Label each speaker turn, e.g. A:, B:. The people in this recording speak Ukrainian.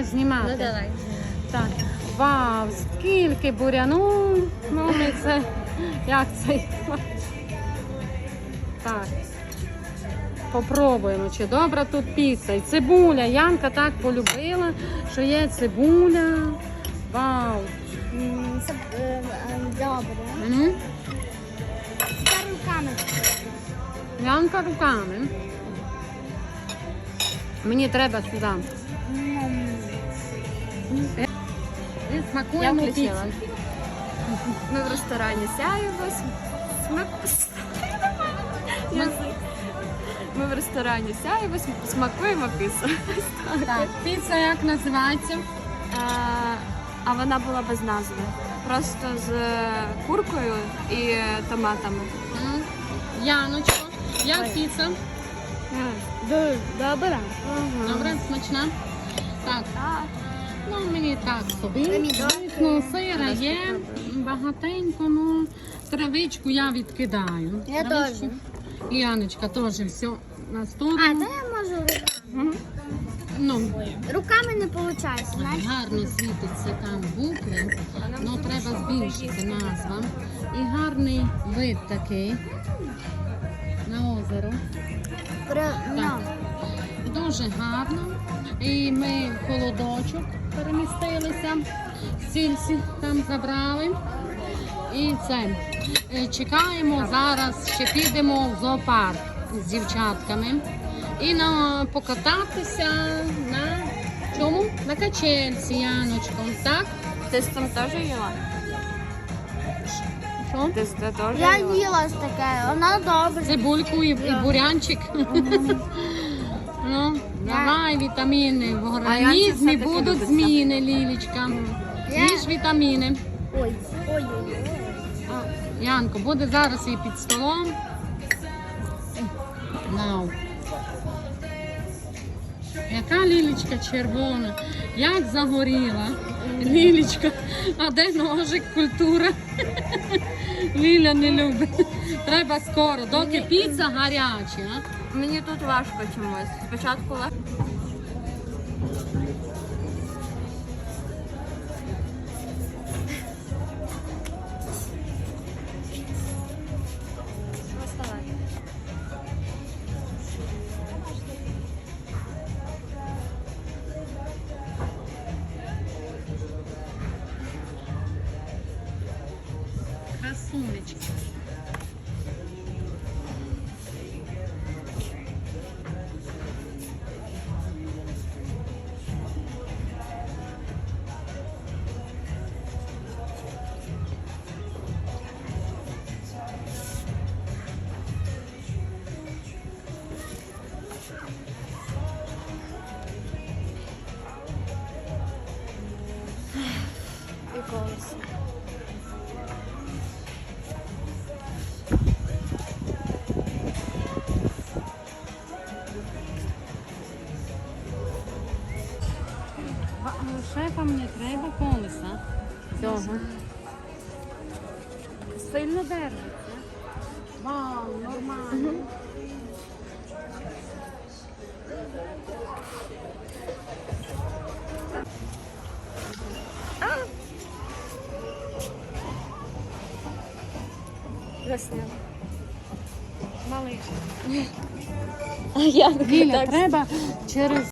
A: знімати?
B: Ну давай.
A: Так. Вау, скільки буряну. Ну, ми це, як це? Так. Попробуємо, чи добра тут піца. І цибуля. Янка так полюбила, що є цибуля. Вау.
B: Це добре.
A: М?
B: Це руками.
A: Янка руками. Мені треба сюди. І смакуємо
B: Я
A: піцу.
B: включила. Ми в ресторані Сяєво. Ми в ресторані Сяєво смакуємо піцу.
A: Так, піца як називається?
B: А вона була без назви. Просто з куркою і томатами.
A: М. Яночко, як піца?
B: Дуже добре.
A: Добре, смачна? Так, ну мені так собі.
B: Помідор.
A: Звісно, сира є багатенько, ну травичку я відкидаю.
B: Я
A: Травичку.
B: теж.
A: І Яночка теж все на
B: А,
A: сторону.
B: це я можу руками.
A: Ну,
B: Руками не виходить, знаєш?
A: гарно світиться там букви, ну треба збільшити назва. І гарний вид такий на озеро. Так. Дуже гарно. І ми в холодочок перемістилися, стільці там забрали. І це. Чекаємо зараз, ще підемо в зоопарк з дівчатками. І покататися на чому? На качельці, Яночко. Так?
B: Ти з цим теж їла?
A: Що?
B: Ти з цим теж
C: Я
B: їла?
C: їла таке, вона добре.
A: Цибульку і бурянчик. Ну, давай вітаміни. В організмі
B: все-таки
A: будуть
B: любить
A: зміни, Лілічка. Їж вітаміни.
C: Ой, ой, ой.
A: Янко, буде зараз і під столом. Вау. Яка Лілічка червона, як загоріла. Лілічка, а де ножик, культура? Ліля не любить. Треба скоро, доки піца гаряча.
B: Мені тут важко чомусь. Спочатку легко.
A: Красунечка.
B: І колесо.
A: Шефам не треба колеса. Цього. Сильно держиться. Вау, нормально.
B: Засняла.
A: Малий.
B: А я
A: Ліля, треба через